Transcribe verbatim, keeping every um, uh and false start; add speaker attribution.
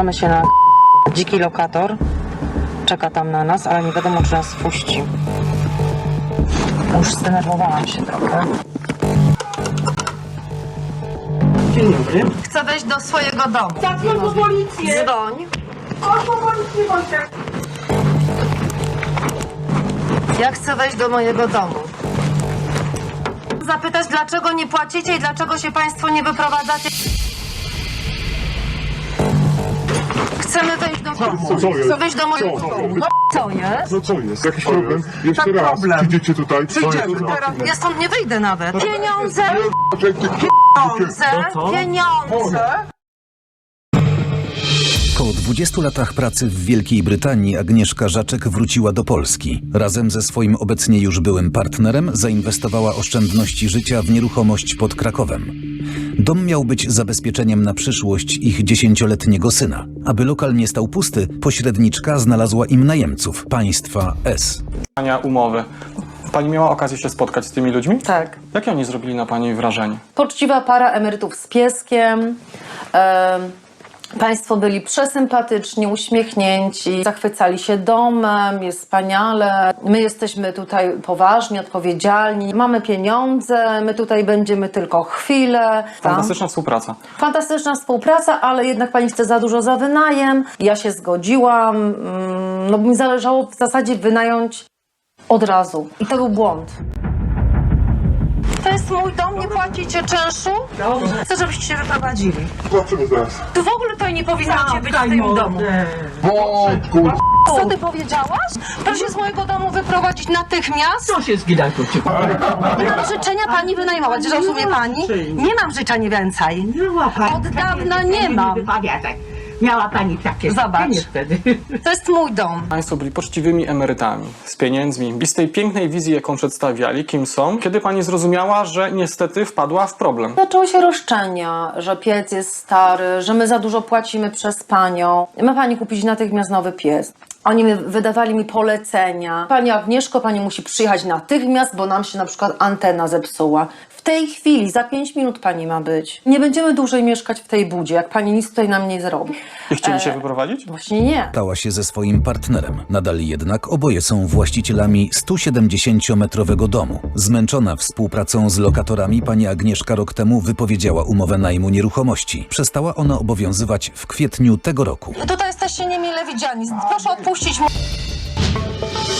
Speaker 1: Zgłaszamy się na dziki lokator. Czeka tam na nas, ale nie wiadomo, czy nas wpuści. Już zdenerwowałam się trochę.
Speaker 2: Dzień dobry.
Speaker 1: Chcę wejść do swojego domu.
Speaker 2: Zadzwoń po policję.
Speaker 1: Dzwoń.
Speaker 2: Chodź po policję, Wojtek.
Speaker 1: Ja chcę wejść do mojego domu. Zapytać, dlaczego nie płacicie i dlaczego się państwo nie wyprowadzacie. Chcemy wejść do domu.
Speaker 3: Co, co jest?
Speaker 1: Chcę wejść do mojego
Speaker 3: Co?
Speaker 1: domu. No, co jest?
Speaker 3: No co jest? Jakiś problem? Jeszcze
Speaker 2: Tak,
Speaker 3: raz.
Speaker 2: problem.
Speaker 3: Przyjdziecie tutaj.
Speaker 2: Przyjdziemy teraz.
Speaker 1: Ja stąd nie wyjdę nawet. Pieniądze!
Speaker 3: Pieniądze!
Speaker 1: Pieniądze! Pieniądze!
Speaker 4: Po dwudziestu latach pracy w Wielkiej Brytanii Agnieszka Żaczek wróciła do Polski. Razem ze swoim obecnie już byłym partnerem zainwestowała oszczędności życia w nieruchomość pod Krakowem. Dom miał być zabezpieczeniem na przyszłość ich dziesięcioletniego syna. Aby lokal nie stał pusty, pośredniczka znalazła im najemców, państwa S.
Speaker 5: Umowy. Pani miała okazję się spotkać z tymi ludźmi?
Speaker 6: Tak.
Speaker 5: Jakie oni zrobili na pani wrażenie?
Speaker 6: Poczciwa para emerytów z pieskiem. E, państwo byli przesympatyczni, uśmiechnięci, zachwycali się domem, jest wspaniale. My jesteśmy tutaj poważni, odpowiedzialni, mamy pieniądze, my tutaj będziemy tylko chwilę.
Speaker 5: Fantastyczna współpraca.
Speaker 6: Fantastyczna współpraca, ale jednak pani chce za dużo za wynajem. Ja się zgodziłam, mm, no bo mi zależało w zasadzie wynająć od razu. I to był błąd.
Speaker 1: To jest mój dom, nie płacicie czynszu?
Speaker 2: Dobrze.
Speaker 1: Chcę, żebyście się wyprowadzili.
Speaker 3: Zobaczymy zaraz.
Speaker 1: Tu w ogóle to nie powinnaście być w
Speaker 2: Daj
Speaker 1: tym
Speaker 2: mordę.
Speaker 1: domu.
Speaker 3: Wojtku!
Speaker 1: Co ty powiedziałaś? Proszę się z mojego domu wyprowadzić natychmiast.
Speaker 2: Co się zgidać tu cię?
Speaker 1: Nie mam życzenia pani wynajmować, rozumie pani? Nie mam życzeń więcej.
Speaker 2: Miała pani
Speaker 1: Od
Speaker 2: takie
Speaker 1: dawna nie
Speaker 2: życzenie,
Speaker 1: mam.
Speaker 2: wypowiadać. Miała pani takie
Speaker 1: Zobacz.
Speaker 2: życzenie wtedy.
Speaker 1: To jest mój dom.
Speaker 5: Państwo byli poczciwymi emerytami, z pieniędzmi, bez tej pięknej wizji, jaką przedstawiali, kim są, kiedy pani zrozumiała, że niestety wpadła w problem.
Speaker 6: Zaczęły się roszczenia, że piec jest stary, że my za dużo płacimy przez panią. Ma pani kupić natychmiast nowy piec. Oni mi wydawali mi polecenia. Pani Agnieszko, pani musi przyjechać natychmiast, bo nam się na przykład antena zepsuła. W tej chwili, za pięć minut pani ma być. Nie będziemy dłużej mieszkać w tej budzie, jak pani nic tutaj nam nie zrobi.
Speaker 5: I chcieli
Speaker 1: E,
Speaker 5: się wyprowadzić?
Speaker 6: Właśnie nie.
Speaker 4: Stała się ze swoim partnerem. Nadal jednak oboje są właścicielami stu siedemdziesięciometrowego domu. Zmęczona współpracą z lokatorami pani Agnieszka rok temu wypowiedziała umowę najmu nieruchomości. Przestała ona obowiązywać w kwietniu tego roku.
Speaker 1: Tutaj jesteście niemile widziani. Proszę odpuścić mu.